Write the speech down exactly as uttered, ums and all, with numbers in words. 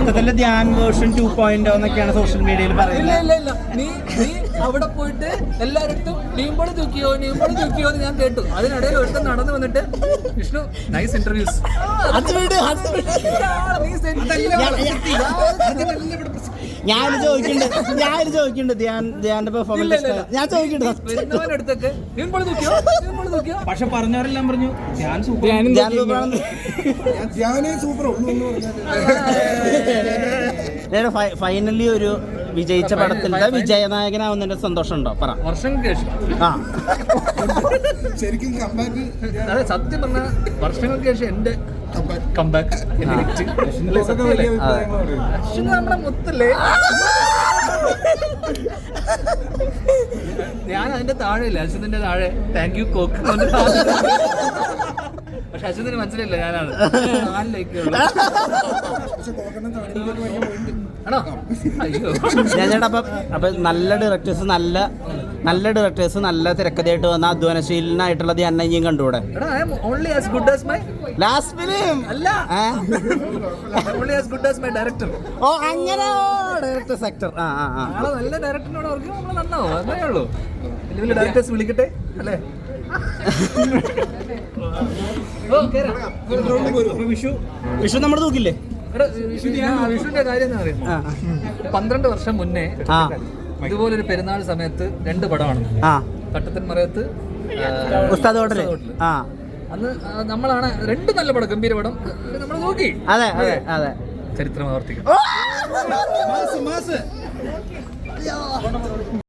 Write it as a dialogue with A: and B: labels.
A: മൊത്തത്തില് Dhyan version two point എന്നൊക്കെയാണ് social മീഡിയയിൽ പറയുന്നത്.
B: നീ നീ അവിടെ പോയിട്ട് എല്ലാവരും നീമ്പോള് തൂക്കിയോ നീമ്പോള് തൂക്കിയോ എന്ന് ഞാൻ കേട്ടു. അതിനിടയിൽ ഒരുത്തം നടന്നു വന്നിട്ട് വിഷ്ണു നൈസ് ഇന്റർവ്യൂസ്
A: ഞാൻ ചോദിക്കുന്നുണ്ട് ഞാൻ ചോദിക്കുന്നുണ്ട് ധ്യാൻ ധ്യാന്റെ പെർഫോമൻസ് ഞാൻ ചോദിക്കുന്നുണ്ട്.
C: പക്ഷെ പറഞ്ഞവരെല്ലാം പറഞ്ഞു ധ്യാൻ സൂപ്പർ
A: ഫൈനലി ഒരു വിജയിച്ച പടത്തിന്റെ വിജയനായകനാവുന്നതിന്റെ സന്തോഷം ഉണ്ടോ പറ?
B: വർഷങ്ങൾക്ക് ശേഷം
A: ആ
D: ശരിക്കും കമ്പാക്ക്
B: സത്യം പറഞ്ഞ വർഷങ്ങൾക്ക് ശേഷം എന്റെ കമ്പാക്ക് നമ്മുടെ മുത്തല്ലേ. ഞാൻ അതിന്റെ താഴെ ഇല്ല അശ്വതിന്റെ താഴെ താങ്ക് യു കോക്ക്. പക്ഷെ അശ്വതിന് മനസ്സിലായില്ല ഞാനാണ്. നാലിലേക്കുള്ളൂ ആണോ? അയ്യോ
A: ചേട്ടാ അപ്പം അപ്പൊ നല്ല ഡയറക്ടേഴ്സ് നല്ല നല്ല ഡയറക്ടേഴ്സ് നല്ല തിരക്കഥയായിട്ട് വന്ന അധ്വാനശീലനായിട്ടുള്ള ധ്യാനം ഇനിയും കണ്ടുകൂടെ?
B: Only as good as my
A: last film
B: അല്ല only as good as my director.
A: ഓ അങ്ങനെ ഡയറക്ടർ സെക്ടർ. ആ ആ ആ
B: നാളെ നല്ല ഡയറക്ടറിനോട് അവർക്ക് നമ്മൾ നന്നാവും. അതേ ഉള്ളൂ. വലിയ വലിയ ഡയറക്ടേഴ്സ് വിളിക്കട്ടെ അല്ലേ?
A: വിഷു വിഷു നമ്മൾ തൂക്കില്ലേ?
B: വിഷുവിന്റെ കാര്യം എന്താ പറയുക, പന്ത്രണ്ട് വർഷം മുന്നേ ഇതുപോലൊരു പെരുന്നാൾ സമയത്ത് രണ്ട് പടമാണ്. തട്ടത്തൻ മറയത്ത്,
A: ഉസ്താദ് ഹോട്ടല്.
B: അന്ന് നമ്മളാണ് രണ്ട് നല്ല പടം, ഗംഭീര പടം നമ്മൾ നോക്കി.
A: അതെ അതെ അതെ
B: ചരിത്രം ആവർത്തിക്കും.